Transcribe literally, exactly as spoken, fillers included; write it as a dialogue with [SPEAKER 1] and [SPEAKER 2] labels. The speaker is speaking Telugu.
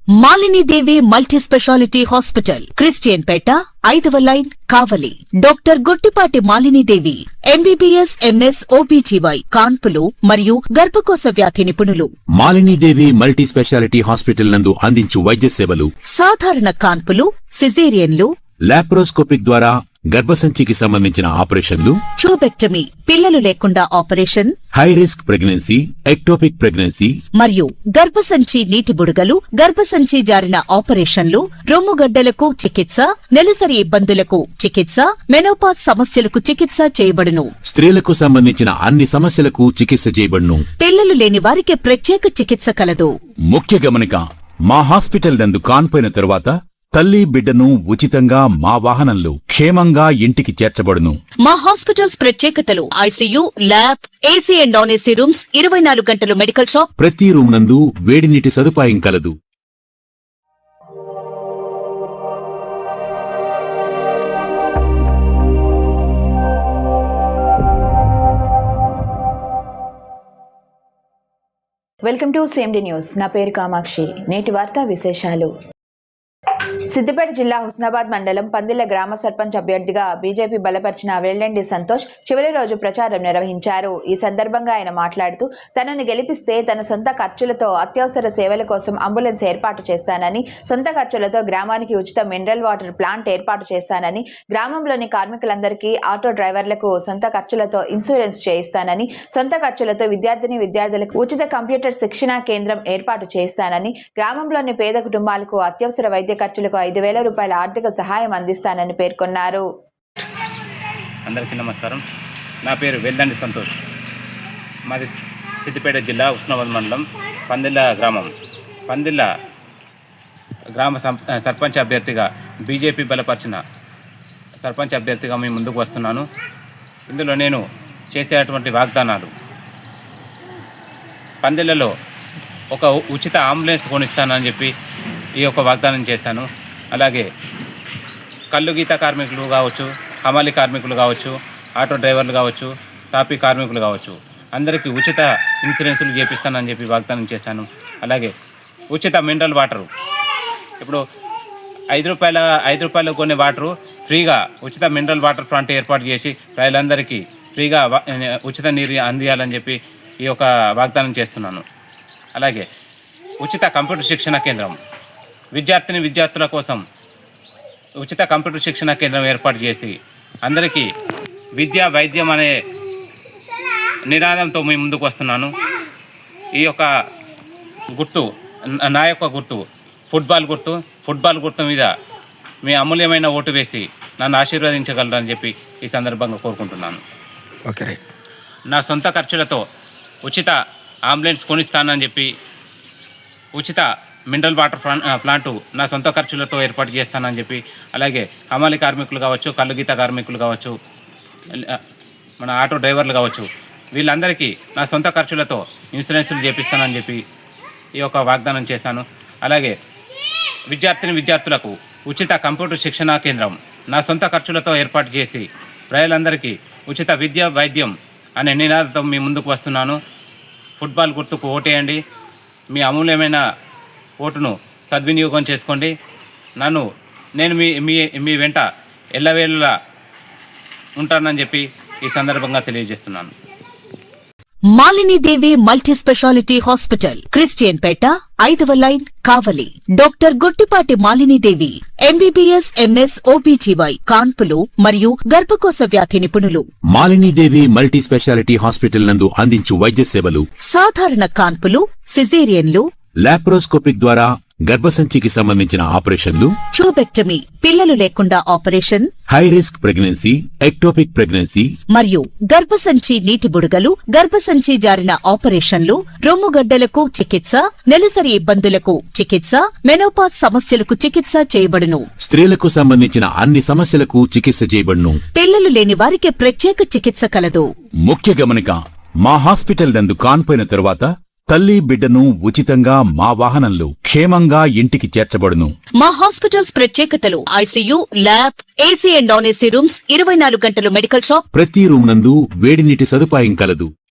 [SPEAKER 1] Malini Devi multi speciality hospital, Christian Peta, ఐదవ line, Kavali. Doctor Guttipati Malinidevi, MBBS, MS, OBGY, కాన్పులు మరియు గర్భకోశ వ్యాధి నిపుణులు.
[SPEAKER 2] మాలినీదేవి మల్టీ స్పెషాలిటీ హాస్పిటల్ నందు అందించు వైద్య సేవలు:
[SPEAKER 1] సాధారణ కాన్పులు, సిజేరియన్లు,
[SPEAKER 2] లాప్రోస్కోపిక్ ద్వారా గర్భసంచికి సంబంధించిన ఆపరేషన్లు,
[SPEAKER 1] ట్యూబెక్టమీ, పిల్లలు లేకుండా operation,
[SPEAKER 2] high risk pregnancy, ectopic pregnancy
[SPEAKER 1] మరియు గర్భసంచి నీటి బుడగలు, గర్భసంచి జారిన ఆపరేషన్లు, రొమ్ముగడ్డలకు చికిత్స, నెలసరి ఇబ్బందులకు చికిత్స, మెనోపాజ్ సమస్యలకు చికిత్స చేయబడును.
[SPEAKER 2] స్త్రీలకు సంబంధించిన అన్ని సమస్యలకు చికిత్స చేయబడును.
[SPEAKER 1] పిల్లలు లేని వారికి ప్రత్యేక చికిత్స కలదు.
[SPEAKER 2] ముఖ్య గమనిక: మా హాస్పిటల్ నందు కాన్పోయిన తరువాత తల్లి బిడ్డను ఉచితంగా మా వాహనంలో క్షేమంగా ఇంటికి చేర్చబడును.
[SPEAKER 1] మా హాస్పిటల్స్ ప్రత్యేకతలు: ICU, lab, AC and non AC rooms, ఇరవై నాలుగు గంటలు మెడికల్ షాప్,
[SPEAKER 2] ప్రతి రూమ్ నందు వేడి నీటి సదుపాయం కలదు.
[SPEAKER 3] Welcome to CMD news. నా పేరు కామాక్షి. నేటి వార్తా విశేషాలు: సిద్దిపేట జిల్లా హుస్నాబాద్ మండలం పందిళ్ల గ్రామ సర్పంచ్ అభ్యర్థిగా బీజేపీ బలపరిచిన వెల్లండి సంతోష్ చివరి రోజు ప్రచారం నిర్వహించారు. ఈ సందర్భంగా ఆయన మాట్లాడుతూ, తనను గెలిపిస్తే తన సొంత ఖర్చులతో అత్యవసర సేవల కోసం అంబులెన్స్ ఏర్పాటు చేస్తానని, సొంత ఖర్చులతో గ్రామానికి ఉచిత మినరల్ వాటర్ ప్లాంట్ ఏర్పాటు చేస్తానని, గ్రామంలోని కార్మికులందరికీ, ఆటో డ్రైవర్లకు సొంత ఖర్చులతో ఇన్సూరెన్స్ చేయిస్తానని, సొంత ఖర్చులతో విద్యార్థిని విద్యార్థులకు ఉచిత కంప్యూటర్ శిక్షణా కేంద్రం ఏర్పాటు చేస్తానని, గ్రామంలోని పేద కుటుంబాలకు అత్యవసర వైద్య ఖర్చులకు ఐదు వేల రూపాయల ఆర్థిక సహాయం అందిస్తానని పేర్కొన్నారు.
[SPEAKER 4] అందరికీ నమస్కారం. నా పేరు వెల్లండి సంతోష్. మాది సిద్దిపేట జిల్లా హుస్నాబాద్ మండలం పందిళ్ళ గ్రామం. పందిళ్ళ గ్రామ సర్పంచ్ అభ్యర్థిగా బీజేపీ బలపరిచిన సర్పంచ్ అభ్యర్థిగా మీ ముందుకు వస్తున్నాను. ఇందులో నేను చేసేటువంటి వాగ్దానాలు: పందిళ్ళలో ఒక ఉచిత అంబులెన్స్ కొనిస్తానని చెప్పి ఈ యొక్క వాగ్దానం చేశాను. అలాగే కల్లు గీత కార్మికులు కావచ్చు, హమాలి కార్మికులు కావచ్చు, ఆటో డ్రైవర్లు కావచ్చు, తాపీ కార్మికులు కావచ్చు, అందరికీ ఉచిత ఇన్సూరెన్సులు చేపిస్తానని చెప్పి వాగ్దానం చేశాను. అలాగే ఉచిత మినరల్ వాటరు, ఇప్పుడు ఐదు రూపాయల ఐదు రూపాయలు కొనే వాటరు ఫ్రీగా ఉచిత మినరల్ వాటర్ ప్లాంట్ ఏర్పాటు చేసి ప్రజలందరికీ ఫ్రీగా ఉచిత నీరు అందియాలని చెప్పి ఈ యొక్క వాగ్దానం చేస్తున్నాను. అలాగే ఉచిత కంప్యూటర్ శిక్షణ కేంద్రం, విద్యార్థిని విద్యార్థుల కోసం ఉచిత కంప్యూటర్ శిక్షణ కేంద్రం ఏర్పాటు చేసి అందరికీ విద్య వైద్యం అనే నినాదంతో మీ ముందుకు వస్తున్నాను. ఈ యొక్క గుర్తు, నా యొక్క గుర్తు ఫుట్బాల్ గుర్తు. ఫుట్బాల్ గుర్తు మీద మీ అమూల్యమైన ఓటు వేసి నన్ను ఆశీర్వదించగలరని చెప్పి ఈ సందర్భంగా కోరుకుంటున్నాను.
[SPEAKER 2] ఓకే.
[SPEAKER 4] నా సొంత ఖర్చులతో ఉచిత అంబులెన్స్ కొనిస్తానని చెప్పి, ఉచిత మినరల్ వాటర్ ప్లాంటు నా సొంత ఖర్చులతో ఏర్పాటు చేస్తానని చెప్పి, అలాగే హమాలి కార్మికులు కావచ్చు, కల్లు గీత కార్మికులు కావచ్చు, మన ఆటో డ్రైవర్లు కావచ్చు, వీళ్ళందరికీ నా సొంత ఖర్చులతో ఇన్సూరెన్సులు చేపిస్తానని చెప్పి ఈ యొక్క వాగ్దానం చేశాను. అలాగే విద్యార్థిని విద్యార్థులకు ఉచిత కంప్యూటర్ శిక్షణా కేంద్రం నా సొంత ఖర్చులతో ఏర్పాటు చేసి ప్రజలందరికీ ఉచిత విద్య వైద్యం అనే నినాదంతో మీ ముందుకు వస్తున్నాను. ఫుట్బాల్ గుర్తుకు ఓటేయండి. మీ అమూల్యమైన ఓటును సద్వినియోగం చేసుకోండి. నన్ను నేను మీ మీ మీ వెంట ఎల్లవేళలా ఉంటానని చెప్పి ఈ సందర్భంగా తెలియజేస్తున్నాను.
[SPEAKER 1] Malinidevi multi speciality hospital, Christian Peta, ఐదవ line, Kavali. Doctor Guttipati Malinidevi, MBBS, MS, OBGY, కాన్పులు మరియు గర్భకోశ వ్యాధి నిపుణులు.
[SPEAKER 2] మాలినీదేవి మల్టీ స్పెషాలిటీ హాస్పిటల్ నందు అందించు వైద్య సేవలు:
[SPEAKER 1] సాధారణ కాన్పులు, సిజేరియన్లు,
[SPEAKER 2] లాప్రోస్కోపిక్ ద్వారా గర్భసంచికి సంబంధించిన ఆపరేషన్లు,
[SPEAKER 1] ట్యూబెక్టమీ, పిల్లలు లేకుండా operation,
[SPEAKER 2] high risk pregnancy, ectopic pregnancy
[SPEAKER 1] మరియు గర్భసంచి నీటి బుడగలు, గర్భసంచి జారిన ఆపరేషన్లు, రొమ్ముగడ్డలకు చికిత్స, నెలసరి ఇబ్బందులకు చికిత్స, మెనోపాజ్ సమస్యలకు చికిత్స చేయబడును.
[SPEAKER 2] స్త్రీలకు సంబంధించిన అన్ని సమస్యలకు చికిత్స చేయబడును.
[SPEAKER 1] పిల్లలు లేని వారికి ప్రత్యేక చికిత్స కలదు.
[SPEAKER 2] ముఖ్య గమనిక: మా హాస్పిటల్ నందు కాన్పోయిన తరువాత తల్లి బిడ్డను ఉచితంగా మా వాహనంలో క్షేమంగా ఇంటికి చేర్చబడును.
[SPEAKER 1] మా హాస్పిటల్స్ ప్రత్యేకతలు: ICU, lab, AC and non AC rooms, ఇరవై నాలుగు గంటలు మెడికల్ షాప్,
[SPEAKER 2] ప్రతి రూమ్ నందు వేడి నీటి సదుపాయం కలదు.